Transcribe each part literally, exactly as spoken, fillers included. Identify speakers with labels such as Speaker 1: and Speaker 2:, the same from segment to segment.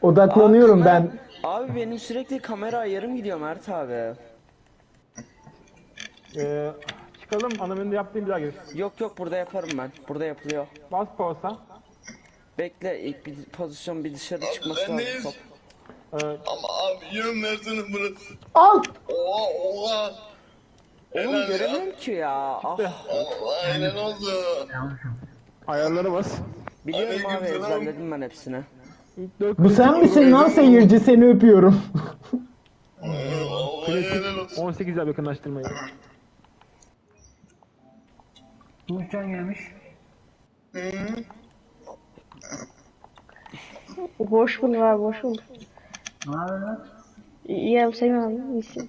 Speaker 1: Odaklanıyorum
Speaker 2: Aa,
Speaker 1: ben.
Speaker 2: kamera- Abi benim sürekli kamera ayarım gidiyor Mert abi.
Speaker 3: Ee, çıkalım, ana menüde yaptığım bir daha gelir.
Speaker 2: Yok yok, burada yaparım ben. Burada yapılıyor.
Speaker 3: Bas pausa.
Speaker 2: Bekle, ilk bir pozisyon bir dışarı
Speaker 4: Abi
Speaker 2: çıkması
Speaker 4: sen
Speaker 2: lazım
Speaker 4: neyiz?
Speaker 2: top.
Speaker 3: Ee,
Speaker 4: Ama abi yön versene burası.
Speaker 1: Al.
Speaker 4: Oha oha.
Speaker 2: Oğlum
Speaker 4: Helal ya.
Speaker 2: göremiyorum ki ya. Ah.
Speaker 4: Allah helal olsun.
Speaker 3: ayarlara bas.
Speaker 2: Biliyorum abi,
Speaker 4: Aleykümselam.
Speaker 2: ezberledim ben hepsini.
Speaker 3: İlk dört
Speaker 1: Bu sen
Speaker 3: klasik
Speaker 1: misin lan seyirci, seni öpüyorum.
Speaker 4: Vallahi helal olsun.
Speaker 3: on sekiz yap yakınlaştırmayı.
Speaker 5: Tuğçan gelmiş.
Speaker 4: Hı.
Speaker 6: Hoş bulduk abi, hoş bulduk.
Speaker 5: Ne haber lan?
Speaker 6: İyi abi, sen abi, iyisin.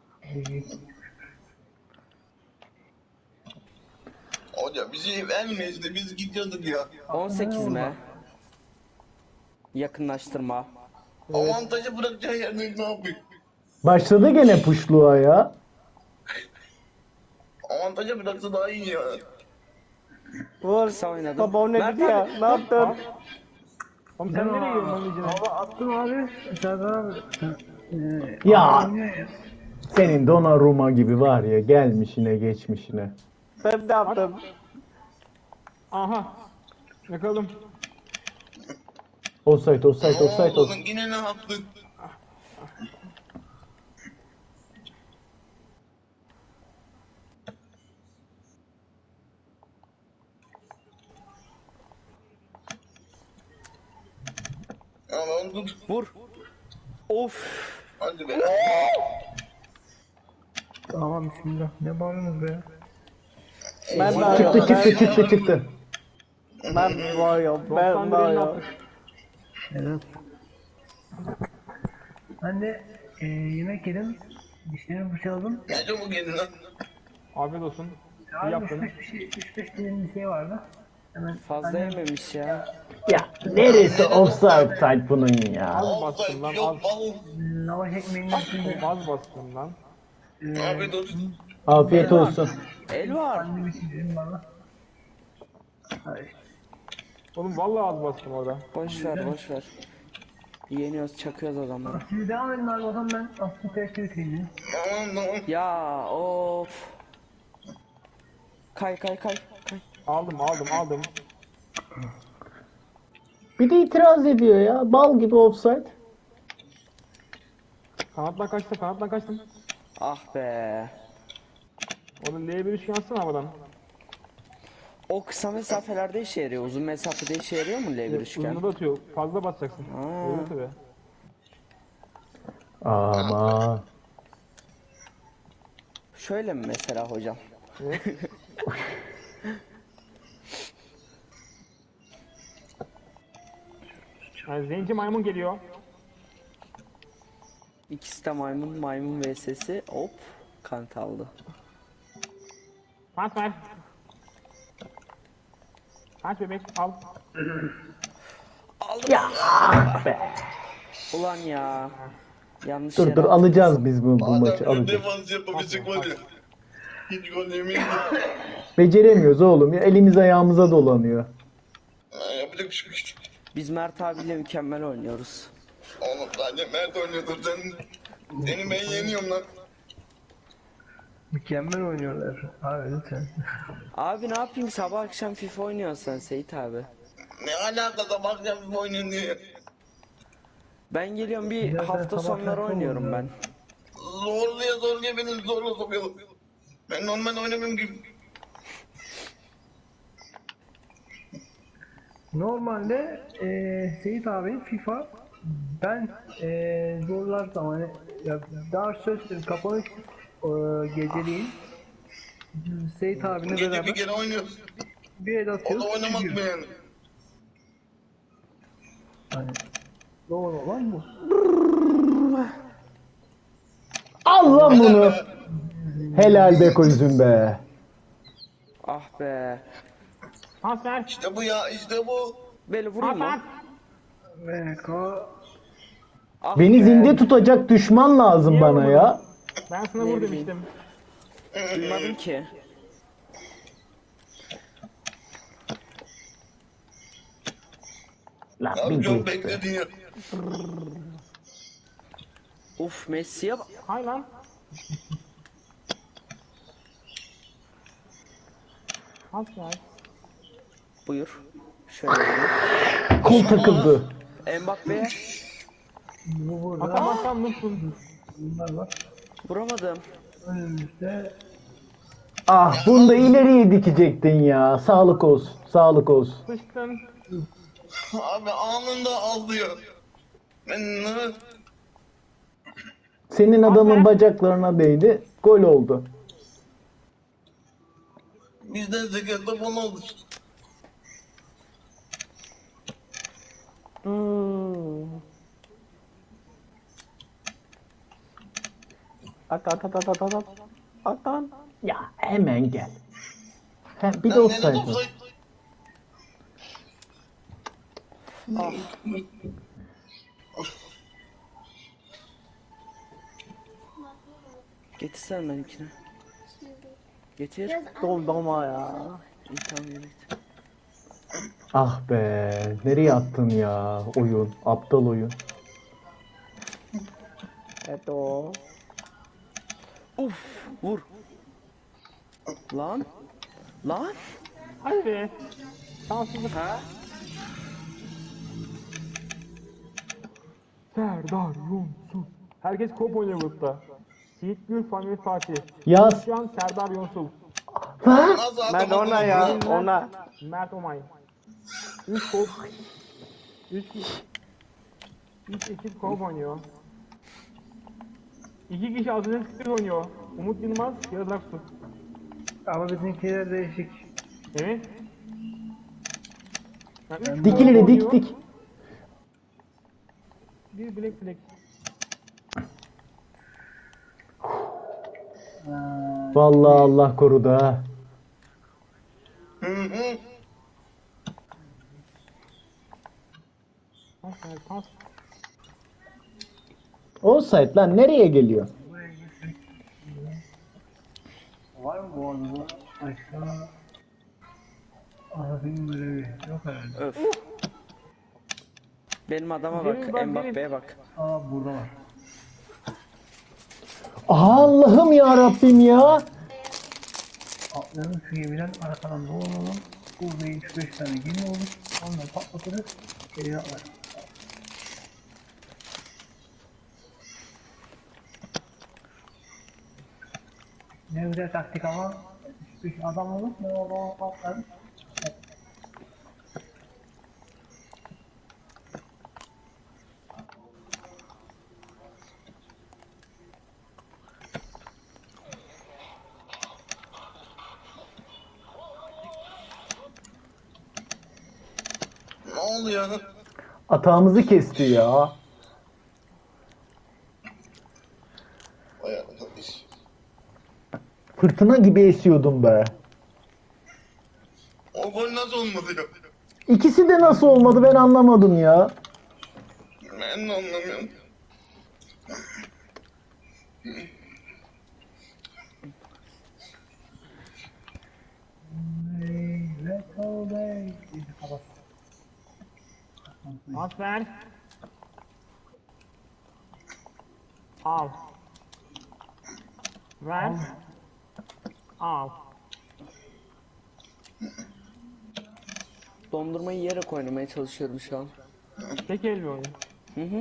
Speaker 4: Hoca bizi vermezdi biz gidiyorduk ya.
Speaker 2: on sekiz mi? Yakınlaştırma.
Speaker 4: Avantajı bırakacağı yerde ne yapayım?
Speaker 1: Başladı gene puşluğa ya.
Speaker 4: Avantajı bıraksa daha iyi ya.
Speaker 2: Vur. Kısa oynadım.
Speaker 3: Baba o ne
Speaker 2: Mert
Speaker 3: dedi ya?
Speaker 2: abi.
Speaker 3: Ne yaptın? Oğlum sen nereye gidiyorsun onun içine?
Speaker 5: Baba attım abi. Serdar abi. Ee,
Speaker 1: Ya.
Speaker 5: oynuyor ya.
Speaker 1: Senin Donnarumma gibi var ya, gelmişine geçmişine.
Speaker 3: Ben de yaptım. Aha. Yakalım.
Speaker 1: Offside, offside, offside,
Speaker 4: Oğlum
Speaker 1: offside.
Speaker 4: yine ne yaptık? Ya ben tut.
Speaker 2: Vur. Of.
Speaker 4: Hadi be.
Speaker 5: Tamam bismillah. Ne bağırıyorsunuz be?
Speaker 3: Ben de
Speaker 1: Çıktı,
Speaker 3: yaptım.
Speaker 1: çıktı, çıktı, çıktı.
Speaker 3: Ben var ya. Ben var ya.
Speaker 5: Evet. Ben de e, yemek yedim. Dişlerimi fırçaladım.
Speaker 4: Ne çabuk yedin lan?
Speaker 3: Afiyet olsun. İyi
Speaker 5: Abi üç
Speaker 3: yaptın.
Speaker 5: beş bir şey, üç beş dilim bir şey vardı. Hemen
Speaker 2: Fazla
Speaker 5: annem-
Speaker 2: yememiş ya.
Speaker 1: Ya neresi offside bunun ya?
Speaker 3: Az
Speaker 4: Offside
Speaker 3: bastım lan, az.
Speaker 4: yok bal.
Speaker 5: Lavaş ekmeğinin üstünde
Speaker 3: Az bastım lan.
Speaker 4: Afiyet olsun.
Speaker 1: Afiyet olsun.
Speaker 2: El var.
Speaker 5: annem için dedim bana. Ay,
Speaker 3: Oğlum vallahi az bastım orada.
Speaker 2: Boş ver, boş ver. Yeniyoruz, çakıyoruz adamları.
Speaker 5: siz devam edin abi o zaman ben aslında test edeyim.
Speaker 4: Tamam tamam.
Speaker 2: Ya of. Kay kay kay kay.
Speaker 3: Aldım, aldım, aldım.
Speaker 1: Bir de itiraz ediyor ya. Bal gibi offside.
Speaker 3: Kanattan kaçtım, kanattan kaçtım.
Speaker 2: Ah be.
Speaker 3: Onu L bir üçgen atsana havadan.
Speaker 2: O kısa mesafelerde işe yarıyor. Uzun mesafede işe yarıyor mu L bir üçgen?
Speaker 3: Uzunu da atıyor. Fazla basacaksın.
Speaker 2: Ha.
Speaker 3: Öyle tabii.
Speaker 1: Ama
Speaker 2: Şöyle mi mesela hocam?
Speaker 3: Yani zenci maymun geliyor.
Speaker 2: İkisi de maymun, maymun vs'si. Hop. Kant aldı.
Speaker 3: Pas ver. Kaç bebek al.
Speaker 1: ya ah be.
Speaker 2: Ulan ya. Yanlış
Speaker 1: Dur
Speaker 2: yere
Speaker 1: dur,
Speaker 2: attım.
Speaker 1: alacağız biz bu, bu maçı
Speaker 4: Adam bir
Speaker 1: alacağız.
Speaker 4: defans yapabilecek var ya. Hiç gol yemeyin de.
Speaker 1: Beceremiyoruz oğlum ya, elimiz ayağımıza dolanıyor.
Speaker 4: Ha, yapacak bir şey yok.
Speaker 2: Biz Mert abiyle mükemmel oynuyoruz.
Speaker 4: Oğlum sadece Mert oynuyordur sen. Seni ben yeniyorum lan.
Speaker 5: Mükemmel oynuyorlar. Abi lütfen.
Speaker 2: Abi ne yapayım, sabah akşam FIFA oynuyorsun sen Seyit abi.
Speaker 4: Ne alakası bakacağım bir oynuyorsun diye.
Speaker 2: Ben geliyorum, bir
Speaker 5: Ya ben
Speaker 2: hafta
Speaker 5: sabah
Speaker 2: sonları
Speaker 5: akşam
Speaker 2: oynuyorum ben.
Speaker 5: oynuyorum.
Speaker 4: Zorluya zorluya beni zorla sokuyor. Ben normal oynamıyorum ki.
Speaker 5: Normalde eee Seyit abi FIFA ben eee zorlar zaman ya daha söz kapanış eee, geceliğin Seyit abine
Speaker 4: Gece bir
Speaker 5: beraber
Speaker 4: kere oynuyoruz.
Speaker 5: bir el
Speaker 4: O
Speaker 5: atıyoruz.
Speaker 4: da oynamak mı
Speaker 5: gidiyor.
Speaker 4: yani?
Speaker 5: Hani doğru olan bu.
Speaker 1: Al lan bunu.
Speaker 4: Helal be.
Speaker 1: Helal be koyuzum be.
Speaker 2: Ah be.
Speaker 3: Pas ver.
Speaker 4: İşte bu ya işte bu.
Speaker 2: Böyle vurayım
Speaker 3: Pas ver.
Speaker 2: mı?
Speaker 5: Ve ko
Speaker 2: Ah
Speaker 1: Beni
Speaker 2: be.
Speaker 1: zinde tutacak düşman lazım
Speaker 3: Niye
Speaker 1: bana
Speaker 3: vurmadın?
Speaker 1: ya.
Speaker 3: Ben sana
Speaker 2: Ne
Speaker 3: vur
Speaker 2: bileyim.
Speaker 3: demiştim.
Speaker 2: Duymadım ki.
Speaker 1: Lan bir
Speaker 4: Abi çok
Speaker 1: geç be.
Speaker 4: bekledin ya.
Speaker 2: Uf Messi'ye bak.
Speaker 3: Hay lan. Pas ver.
Speaker 2: Buyur. Şöyle vereyim.
Speaker 1: Kol takıldı.
Speaker 2: Mbappe'ye
Speaker 5: Bu burada.
Speaker 3: Atamazsan mutsun.
Speaker 5: Bunlar var.
Speaker 2: vuramadım.
Speaker 5: Önümüzde
Speaker 1: Ah bunu da ileriye dikecektin ya. Sağlık olsun. Sağlık olsun.
Speaker 3: Sıçtın.
Speaker 4: Abi anında aldı ya. Ben ne?
Speaker 1: Senin adamın bacaklarına değdi. Gol oldu.
Speaker 4: Bizden zekatla bana oldu.
Speaker 3: Hmm. At at at at at at. At lan.
Speaker 1: Ya hemen gel. He, bir de
Speaker 4: Sen
Speaker 1: offside
Speaker 4: nerede
Speaker 1: var.
Speaker 4: offside?
Speaker 2: Getirsen benimkini. Getir.
Speaker 3: Doldurma ya.
Speaker 2: İyi tamam yürü git.
Speaker 1: Ah be. Nereye attın ya oyun? Aptal oyun.
Speaker 3: Evet o.
Speaker 2: Uf vur. Lan. Lan.
Speaker 3: Hadi be. Şanssızlık.
Speaker 2: Ha?
Speaker 3: Serdar Yonsul. Herkes kop oynuyor grupta. Yiğit Gül, Famil Fatih.
Speaker 1: Yaz.
Speaker 3: Şu an Serdar Yonsul.
Speaker 1: Lan.
Speaker 4: Nasıl
Speaker 3: Ben
Speaker 4: atamadım
Speaker 3: ona ya.
Speaker 4: onu?
Speaker 3: Ona. Mert Omay. üç kop. üç üç ekip kop oynuyor. iki kişi Aziz oynuyor. Umut Yılmaz, Yağız Aksu.
Speaker 5: ama bizimkiler değişik.
Speaker 3: Evet. Yani üç
Speaker 1: Dik
Speaker 3: kop
Speaker 1: ileri
Speaker 3: oynuyor,
Speaker 1: dik dik.
Speaker 3: Bir bilek bilek.
Speaker 1: Vallahi Allah korudu ha.
Speaker 4: Hı hı.
Speaker 3: Pas ver, pas.
Speaker 1: Offside lan nereye geliyor?
Speaker 5: Var mı bu arada? Başka Arap'ın görevi yok herhalde.
Speaker 2: Öf. Benim adama
Speaker 3: Gelin
Speaker 2: bak.
Speaker 3: bak,
Speaker 2: Mbappe'ye bak.
Speaker 5: Aa burada var.
Speaker 1: Allah'ım ya Rabbim ya.
Speaker 5: Atlayalım şu gemiden arkadan dolanalım. Burada üç beş tane gemi olur. Onları patlatırız. Geriye atlarız. Ne güzel taktik ama üç beş adam olur. Ne o patlarız.
Speaker 4: Ne oluyor?
Speaker 1: Atağımızı kesti ya.
Speaker 4: Vay arkadaş.
Speaker 1: Fırtına gibi esiyordum be.
Speaker 4: O gol nasıl olmadı ya?
Speaker 1: İkisi de nasıl olmadı ben anlamadım ya.
Speaker 4: Ben de anlamıyorum.
Speaker 5: Hey, let's go back. İyice kapat.
Speaker 3: Pas ver. Al. Ver. Al.
Speaker 2: Dondurmayı yere oynamaya çalışıyorum şu an.
Speaker 3: Tek el bir oyun.
Speaker 2: Hı hı.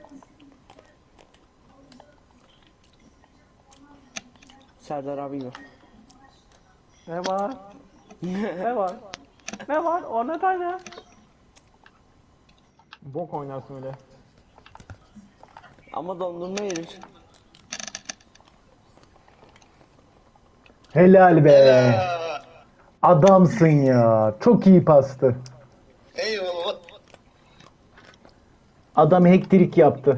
Speaker 2: Serdar abi gibi.
Speaker 3: Ne var? Ne var? Ne var? O ne tane? Bok oynarsın öyle.
Speaker 2: Ama dondurma yerim.
Speaker 1: Helal be.
Speaker 4: Aa,
Speaker 1: Adamsın ya. Çok iyi pastı.
Speaker 4: eyvallah.
Speaker 1: Adam hektirik yaptı.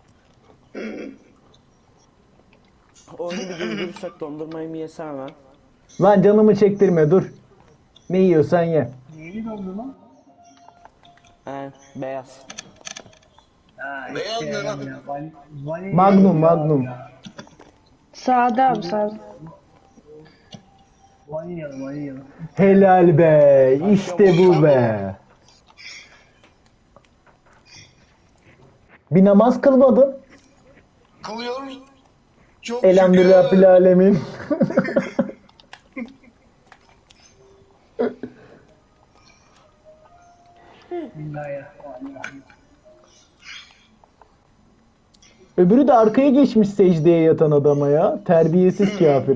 Speaker 2: Oyunu bir durdurursak dondurmayı mı yesem hemen?
Speaker 1: Lan canımı çektirme dur. Ne yiyorsan ye.
Speaker 5: Neyini doldu lan?
Speaker 2: He, beyaz.
Speaker 5: Ha,
Speaker 4: Beyaz
Speaker 5: işte
Speaker 4: ne lan?
Speaker 5: ya, vali- vali-
Speaker 1: Magnum,
Speaker 5: ya,
Speaker 1: Magnum.
Speaker 5: ya.
Speaker 6: Sağda abi sağda.
Speaker 5: Vanilyalı vanilyalı.
Speaker 1: Helal be. İşte bu be. Bir namaz kılmadın.
Speaker 4: Kılıyoruz. Çok
Speaker 1: Elhamdülillah
Speaker 4: şükür.
Speaker 1: bil alemin.
Speaker 5: Bismillahirrahmanirrahim.
Speaker 1: Öbürü de arkaya geçmiş secdeye yatan adama ya. Terbiyesiz kafir.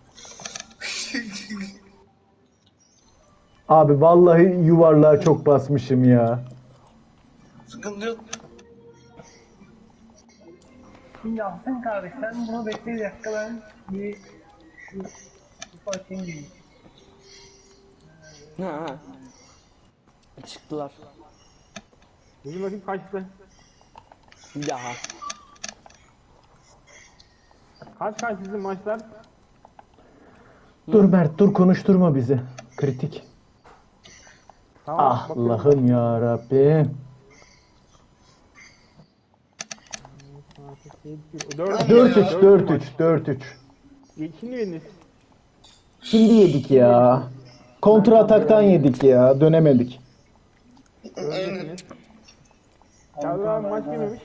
Speaker 1: Abi vallahi yuvarlığa çok basmışım ya.
Speaker 4: Sıkıntı yok.
Speaker 5: Şimdi Ahsen kardeş sen bunu bekle bir dakika ben bir şu kutu açayım geleyim.
Speaker 2: Ha, ha. Çıktılar.
Speaker 3: Bizim bakayım kaçtı.
Speaker 2: Ya.
Speaker 3: Kaç kaç sizin maçlar?
Speaker 1: Dur Mert dur konuşturma bizi. Kritik.
Speaker 3: Tamam.
Speaker 1: Ah
Speaker 3: bakıyorum.
Speaker 1: Allah'ım ya Rabbim.
Speaker 3: Dört
Speaker 1: dört üç dört üç dört üç.
Speaker 3: Şimdi yediniz.
Speaker 1: Şimdi yedik ya. Kontra ataktan yedik ya. Dönemedik.
Speaker 3: Öldürdünüz. Çağrı abi maç girmemiş.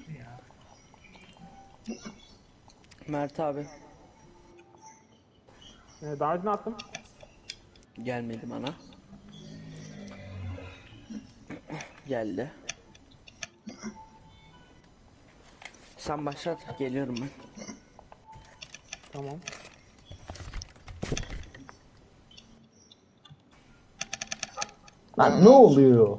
Speaker 2: Mert abi.
Speaker 3: Ee, davetini attım.
Speaker 2: Gelmedi bana. Geldi. Sen başlat. Geliyorum ben.
Speaker 3: Tamam.
Speaker 1: Lan ne oluyor?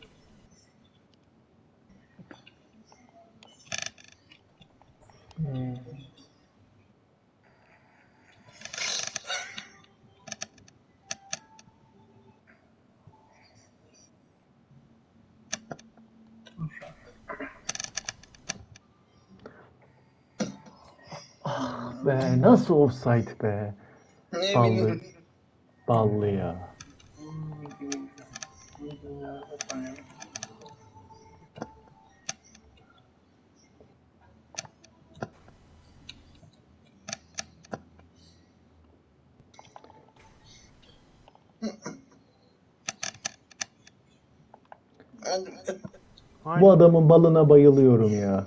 Speaker 1: Be nasıl offside be?
Speaker 4: Ne
Speaker 1: Ballı.
Speaker 4: bileyim.
Speaker 1: Ballı ya.
Speaker 4: Hadi.
Speaker 1: Bu adamın balına bayılıyorum ya.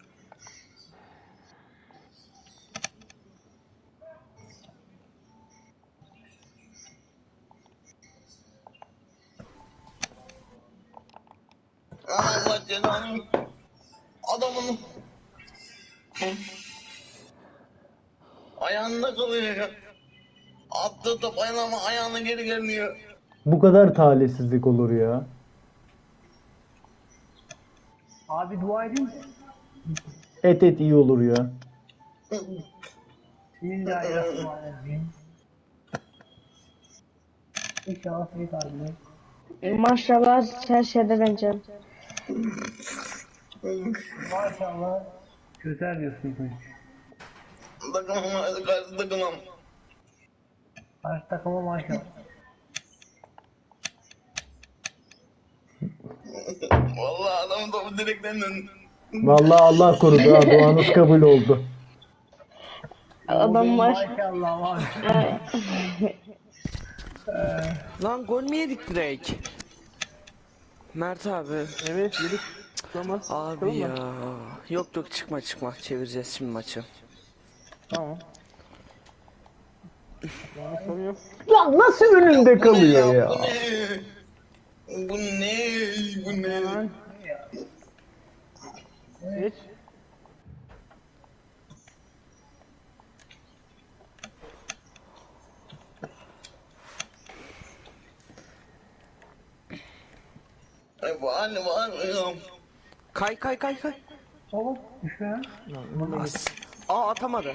Speaker 4: Allah cezanı. Adamın ayağında kalıyor ya. Attığı top ayağına ama ayağına geri gelmiyor.
Speaker 1: Bu kadar talihsizlik olur ya.
Speaker 5: Abi dua edeyim mi?
Speaker 1: Et et iyi olur ya.
Speaker 5: Bismillahirrahmanirrahim. İnşallah seni kalbine.
Speaker 6: Maşallah her şeyden önce.
Speaker 5: Maşallah. Çözer diyorsun ilk önce.
Speaker 4: Takımım hadi karşı takımım.
Speaker 5: Karşı takıma maşallah.
Speaker 4: Vallahi adamın topu direkten döndü.
Speaker 1: Vallahi Allah korudu ha. Duanız kabul oldu.
Speaker 6: Adam maş.
Speaker 5: Maşallah maşallah.
Speaker 2: Lan gol mü yedik direkt? Mert abi.
Speaker 3: Evet yedik. Tamam.
Speaker 2: Abi ya. Yok yok çıkma çıkma. Çevireceğiz şimdi maçı.
Speaker 3: Tamam. Yani sorun yok.
Speaker 1: Lan nasıl önünde kalıyor ya?
Speaker 4: Bu ne? Bu ne? Bu ne?
Speaker 3: Hemen. Geç.
Speaker 4: Ay var var.
Speaker 2: Kay kay kay kay.
Speaker 5: Oğlum düşme ya.
Speaker 2: As. Aa atamadı.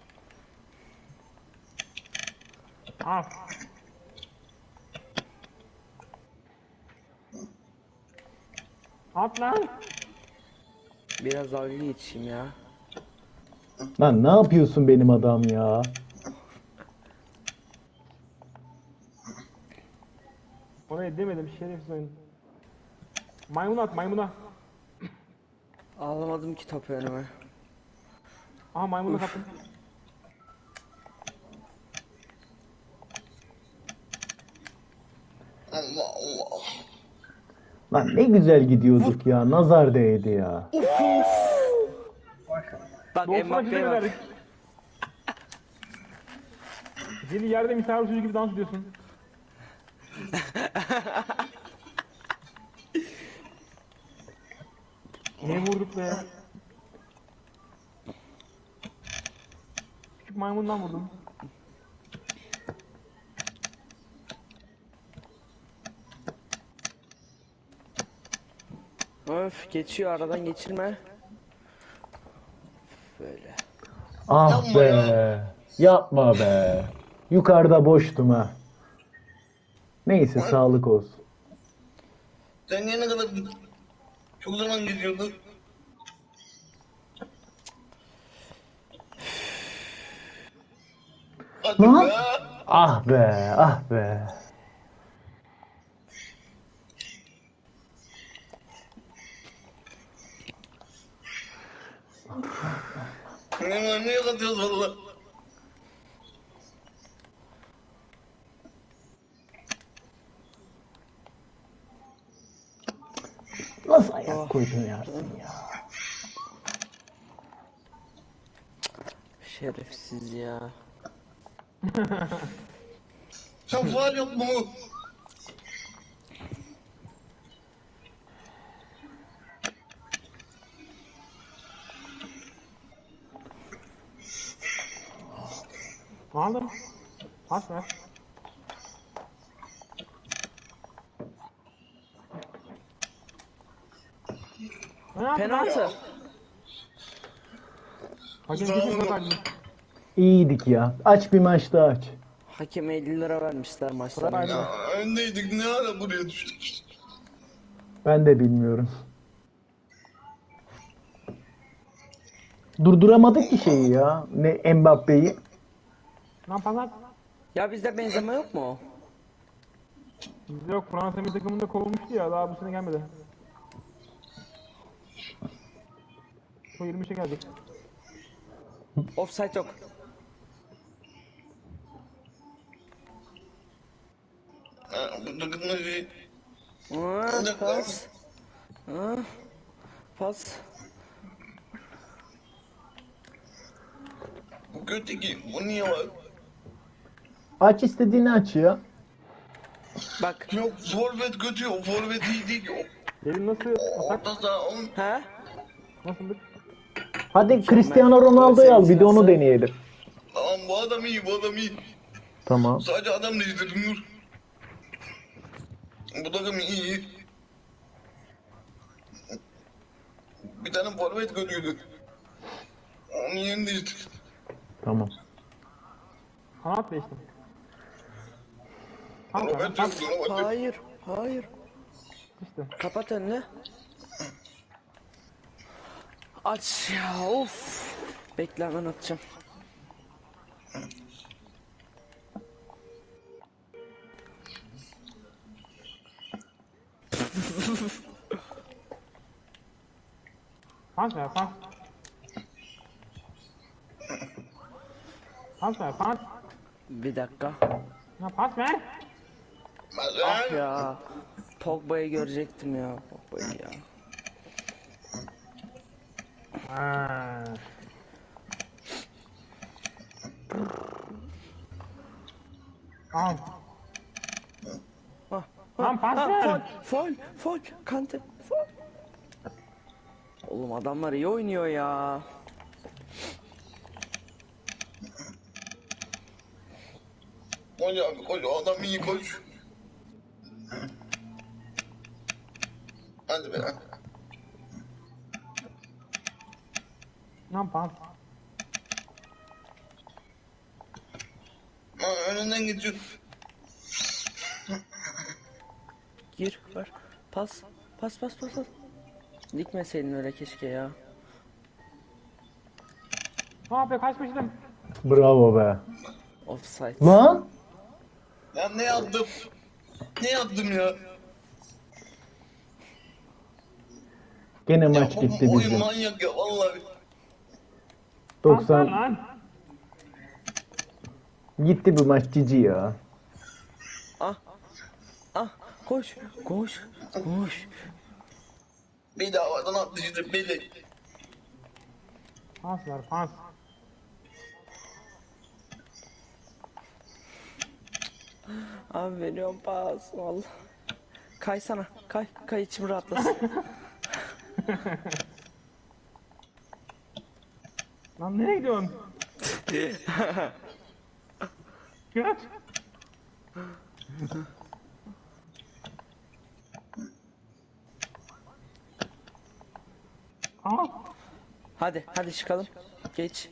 Speaker 3: Al. At lan.
Speaker 2: Biraz dalga geçeyim ya.
Speaker 1: Lan ne yapıyorsun benim adam ya?
Speaker 3: Oraya demedim şerefsiz oyun. Maymun at maymuna.
Speaker 2: Ağlamadım ki topu önüme.
Speaker 3: Aha maymuna kaptım.
Speaker 4: Allah Allah.
Speaker 1: Lan ne güzel gidiyorduk ya. Nazar değdi ya.
Speaker 2: Bak
Speaker 3: Doğusuna
Speaker 2: Mbappe'ye
Speaker 3: çizelim
Speaker 2: bak.
Speaker 3: verdik. Seni yerde misafir çocuğu gibi dans ediyorsun. Ne vurduk be? Küçük maymundan vurdum.
Speaker 2: Öf geçiyor aradan geçirme. Böyle.
Speaker 1: Ah
Speaker 4: Yapma
Speaker 1: be.
Speaker 4: ya.
Speaker 1: Yapma be. Yukarıda boştum ha. Neyse sağlık olsun.
Speaker 4: Sen niye ne kadar çok zaman gidiyordun? Hadi
Speaker 1: Lan.
Speaker 4: be.
Speaker 1: Ah be. Ah be.
Speaker 4: Ne niye katıyoruz valla?
Speaker 1: Nasıl ayak koydun Yasin ya?
Speaker 2: Şerefsiz ya.
Speaker 4: Sen faal yok mu?
Speaker 3: Aldım. Pas ver. Penaltı.
Speaker 2: Penaltı.
Speaker 3: Hakem kesin fakat.
Speaker 1: İyiydik ya. Aç bir maç daha aç.
Speaker 2: Hakeme elli lira vermişler maçtan
Speaker 3: Bravo.
Speaker 2: önce.
Speaker 4: Ya öndeydik ne ara buraya düştük?
Speaker 1: Ben de bilmiyorum. Durduramadık ki şeyi ya. Ne Mbappe'yi.
Speaker 3: Lan pas at.
Speaker 2: Ya bizde benzeme yok mu?
Speaker 3: Bizde yok. Fransa bir takımında kovulmuştu ya. Daha bu sene gelmedi. Şu yirmi üçe gelecek.
Speaker 2: Offside yok.
Speaker 4: Ha, bu takımda şey...
Speaker 2: Aa, pas. Aa, pas.
Speaker 4: Bu kötü ki bu niye var?
Speaker 1: Aç istediğini aç ya.
Speaker 2: Bak.
Speaker 4: Yok forvet kötü o forvet iyi değil o.
Speaker 3: Derin nasıl atak?
Speaker 4: Orta saha on.
Speaker 2: He?
Speaker 3: Nasıldık?
Speaker 1: Hadi Cristiano Ronaldo'yu al bir de onu deneyelim.
Speaker 4: Tamam bu adam iyi bu adam iyi.
Speaker 1: Tamam.
Speaker 4: Sadece adam değiştirdim dur. Bu takım iyi. Bir tane forvet kötüydü. Onun yerini değiştir.
Speaker 1: Tamam.
Speaker 3: Kanat değiştim. Kanka
Speaker 4: Robert
Speaker 3: pas
Speaker 4: yok Robert yok.
Speaker 2: Hayır. Hayır.
Speaker 3: işte.
Speaker 2: Kapat önünü. Aç ya of. Bekle hemen atacağım.
Speaker 3: Pas ver pas. Pas ver pas.
Speaker 2: Bir dakika.
Speaker 3: Ya pas ver.
Speaker 2: Ah
Speaker 4: Mazen.
Speaker 2: ya. Pogba'yı görecektim ya. Pogba'yı ya.
Speaker 3: Ha. Al.
Speaker 2: Ah,
Speaker 3: Lan pas
Speaker 2: ah,
Speaker 3: ver.
Speaker 2: Fol, fol, fol, Kante, fol. Oğlum adamlar iyi oynuyor ya.
Speaker 4: Koş abi koş o adam iyi koş. Hadi be.
Speaker 3: Lan pas.
Speaker 4: Ha, önünden geçiyor.
Speaker 2: Gir, ver. Pas, pas, pas, pas, pas. Dikmeseydin öyle keşke ya.
Speaker 3: Ne yapıyor kaçmıştım.
Speaker 1: Bravo be.
Speaker 2: Offside.
Speaker 1: Lan.
Speaker 4: Ya ne yaptım? Ne yaptım ya?
Speaker 1: Gene
Speaker 4: Ya
Speaker 1: maç
Speaker 4: bu
Speaker 1: gitti
Speaker 4: oyun
Speaker 1: bizim.
Speaker 4: manyak ya vallahi.
Speaker 1: doksan
Speaker 3: Lan.
Speaker 1: gitti bu maç cici ya.
Speaker 2: Ah, ah, koş, koş, koş.
Speaker 4: Bir daha havadan attı işte beli.
Speaker 3: Pas ver pas.
Speaker 2: Abi veriyorum pas vallahi. Kaysana. Kay. Kay içim rahatlasın.
Speaker 3: Lan nereye gidiyorsun? Kaç. Aa.
Speaker 2: Hadi hadi çıkalım. Geç.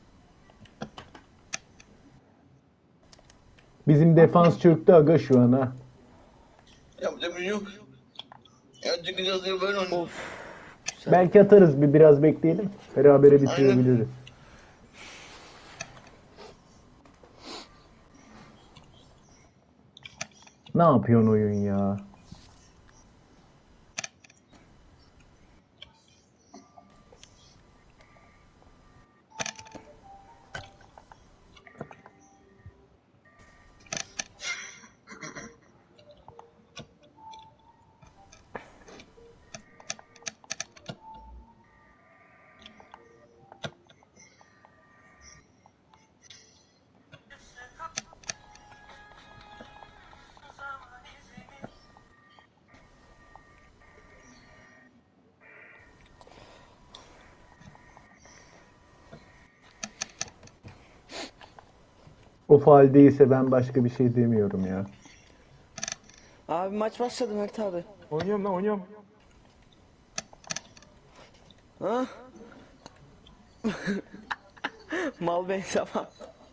Speaker 1: Bizim defans çöktü aga şu an ha.
Speaker 4: Yapacak bir şey yok. Ya çıkacağız diye böyle oynuyor.
Speaker 2: Of.
Speaker 1: Belki atarız bir biraz bekleyelim. Berabere bitirebiliriz. Ne yapıyorsun oyun ya? O faal değilse ben başka bir şey demiyorum ya.
Speaker 2: Abi maç başladı Mert abi.
Speaker 3: Oynuyorum lan oynuyorum.
Speaker 2: Ha? Mal bey tamam.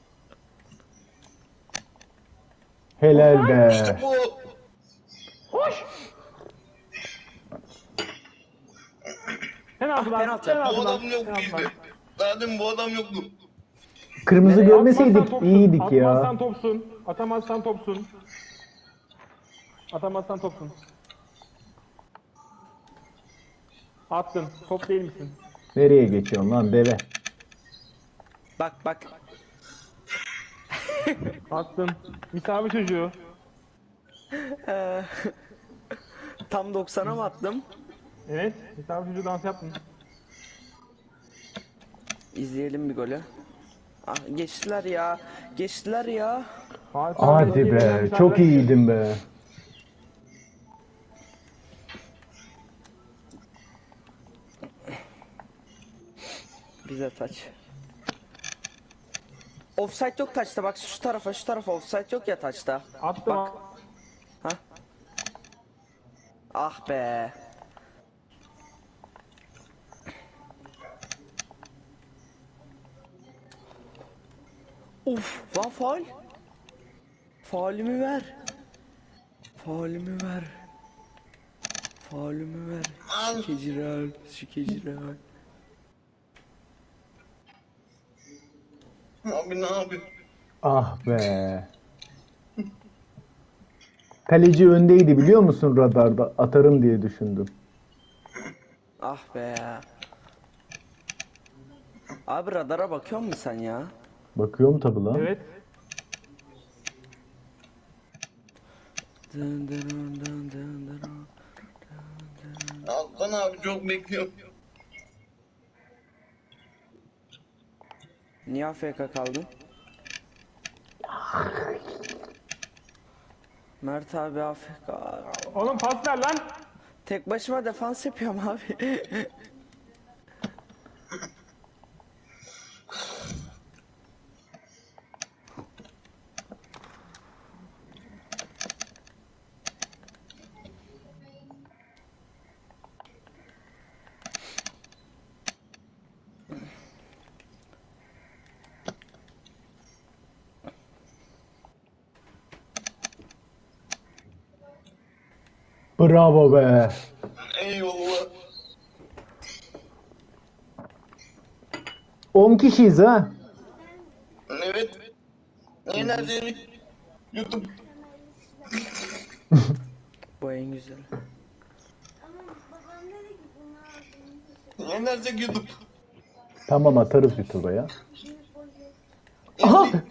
Speaker 1: Helal be.
Speaker 4: Bu
Speaker 3: Penaltı lan.
Speaker 2: penaltı.
Speaker 3: Penaltı
Speaker 4: bu
Speaker 3: lan.
Speaker 4: adam yok
Speaker 3: Penaltı lan.
Speaker 4: bizde. Zaten bu adam yoktu.
Speaker 1: Kırmızı
Speaker 2: Nereye?
Speaker 1: görmeseydik
Speaker 3: Atmazsan topsun,
Speaker 1: iyiydik ya.
Speaker 3: Atmazsan topsun. Atamazsan topsun. Atamazsan topsun. Attın. Top değil misin?
Speaker 1: Nereye geçiyorsun lan deve?
Speaker 2: Bak bak.
Speaker 3: Attın. Misafir çocuğu.
Speaker 2: Tam doksana mı attım?
Speaker 3: Evet. Misafir çocuğu dans yaptın.
Speaker 2: İzleyelim bir golü. Ah, geçtiler ya. Geçtiler ya.
Speaker 3: Fatih abi
Speaker 1: Hadi
Speaker 3: eski
Speaker 1: be
Speaker 3: gelen
Speaker 1: çok
Speaker 3: misafirler-
Speaker 1: iyiydin be.
Speaker 2: Bize taç. Offside yok taçta bak şu tarafa şu tarafa offside yok ya taçta.
Speaker 3: Attım.
Speaker 2: Bak. Ha? Ah be. Uf, lan faul. Faulümü ver. Faulümü ver. Faulümü ver.
Speaker 4: Al.
Speaker 2: Şikeciral, şikeciral.
Speaker 4: Abi ne yapıyor?
Speaker 1: Ah be. Kaleci öndeydi biliyor musun radarda? Atarım diye düşündüm.
Speaker 2: Ah be. Abi radara bakıyor musun sen ya?
Speaker 1: Bakıyorum tabi lan.
Speaker 3: Evet.
Speaker 2: Dın dın dın dın dın dın.
Speaker 4: Altan abi çok bekliyorum.
Speaker 2: Niye A F K kaldın? Mert abi A F K.
Speaker 3: Oğlum pas ver lan.
Speaker 2: Tek başıma defans yapıyorum abi.
Speaker 1: Bravo be.
Speaker 4: Eyvallah.
Speaker 1: on kişiyiz ha.
Speaker 4: Evet. Eğlenceli. YouTube.
Speaker 2: Bu en güzel.
Speaker 4: Yenersek YouTube.
Speaker 1: Tamam atarız YouTube'a ya. Aha!